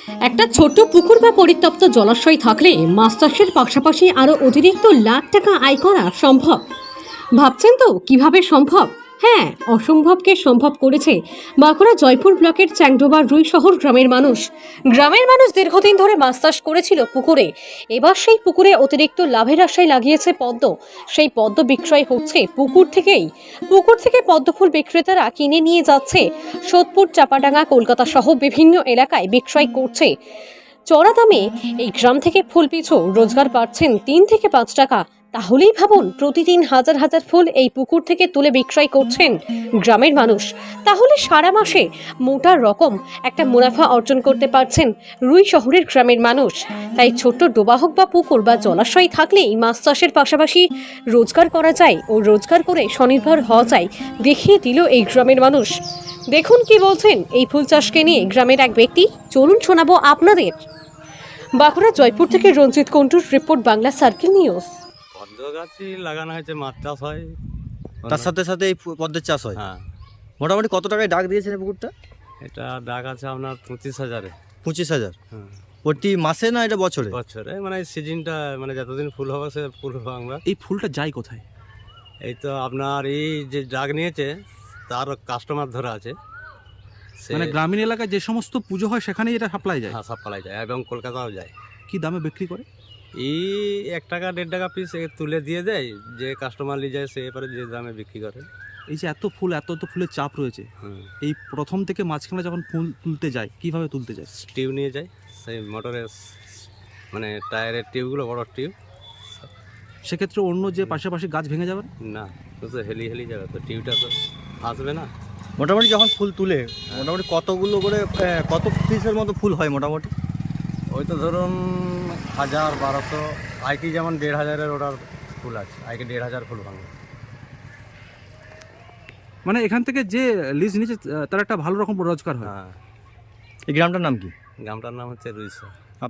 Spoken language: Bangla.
একটা ছোট্ট পুকুর বা পরিত্যক্ত জলাশয় থাকলে মাছ চাষের পাশাপাশি আরও অতিরিক্ত লাখ টাকা আয় করা সম্ভব। ভাবছেন তো কিভাবে সম্ভব? হ্যাঁ, অসম্ভবকে সম্ভব করেছে বাঁকুড়া জয়পুর ব্লকের চ্যাংডোবা রুই শহর গ্রামের মানুষ। দীর্ঘদিন ধরে মাছ চাষ করেছিল পুকুরে। এবার সেই পুকুরে অতিরিক্ত লাভের আশায় লাগিয়েছে পদ্ম। সেই পদ্ম বিক্রয় হচ্ছে পুকুর থেকে পদ্ম ফুল বিক্রেতারা কিনে নিয়ে যাচ্ছে সোদপুর, চাপাডাঙ্গা, কলকাতা সহ বিভিন্ন এলাকায় বিক্রয় করছে চড়া দামে। এই গ্রাম থেকে ফুল পিছু রোজগার পাচ্ছেন 3 থেকে 5 টাকা। তাহলেই ভাবুন, প্রতিদিন হাজার হাজার ফুল এই পুকুর থেকে তুলে বিক্রয় করছেন গ্রামের মানুষ। তাহলে সারা মাসে মোটা রকম একটা মুনাফা অর্জন করতে পারছেন রুই শহরের গ্রামের মানুষ। তাই ছোট্ট ডোবা হোক বা পুকুর বা জলাশয় থাকলেই মাছ চাষের পাশাপাশি রোজগার করা যায় ও রোজগার করে স্বনির্ভর হওয়া যায়, দেখিয়ে দিল এই গ্রামের মানুষ। দেখুন কি বলছেন এই ফুল চাষকে নিয়ে গ্রামের এক ব্যক্তি। চলুন শোনাবো আপনাদের। বাঁকুড়া জয়পুর থেকে রঞ্জিত কুন্টুর রিপোর্ট, বাংলা সার্কেল নিউজ। পদ্ম গাছই লাগানো হয়েছে, মাছ চাষ হয়, তার সাথে সাথে এই পদ্মের চাষ হয়। হ্যাঁ। মোটামুটি কত টাকায় ডাক দিয়েছেন এই পুকুরটা? এটা দাগ আছে আপনার 25,000-এ। 25,000 হ্যাঁ, প্রতি মাসে না এটা বছরে? বছরে মানে সিজনটা, মানে যতদিন ফুল হবে সে ফুল হবে আমরা। এই ফুলটা যায় কোথায়? এই তো আপনার এই যে ডাক নিয়েছে তার কাস্টমার ধরা আছে, সে মানে গ্রামীণ এলাকায় যে সমস্ত পুজো হয় সেখানেই এটা সাপ্লাই যায়। হ্যাঁ, সব পালাই যায় এবং কলকাতাও যায়। কি দামে বিক্রি করে? এই 1 টাকা 1.5 টাকা পিস তুলে দিয়ে দেয়, যে কাস্টমার নিয়ে যায় সে এবারে যে দামে বিক্রি করে। এই যে এত ফুল, এত ফুলের চাপ রয়েছে, হুম, এই প্রথম থেকে মাঝখানে যখন ফুল তুলতে যায় কিভাবে তুলতে যায়? টিউব নিয়ে যায়, সেই মোটরের মানে টায়ারের টিউবগুলো, বড় টিউব। সেক্ষেত্রে অন্য যে পাশাপাশি গাছ ভেঙে যাবে না? না, তো হেলি যাবে, তো টিউবটা তো আসবে না। মোটামুটি যখন ফুল তুলে মোটামুটি কতগুলো করে কত পিসের মতো ফুল হয় মোটামুটি? ওই তো ধরুন 1000-1200, আইটি যেমন 1500-এর অর্ডার ফুল আছে, আইকে 1500 ফুল ভাঙবে। মানে এখান থেকে যে লিজ নিচে তার একটা ভালো রকম রোজগার হয়। হ্যাঁ, এই গ্রামটার নাম কি? গ্রামটার নাম হচ্ছে রুইসর।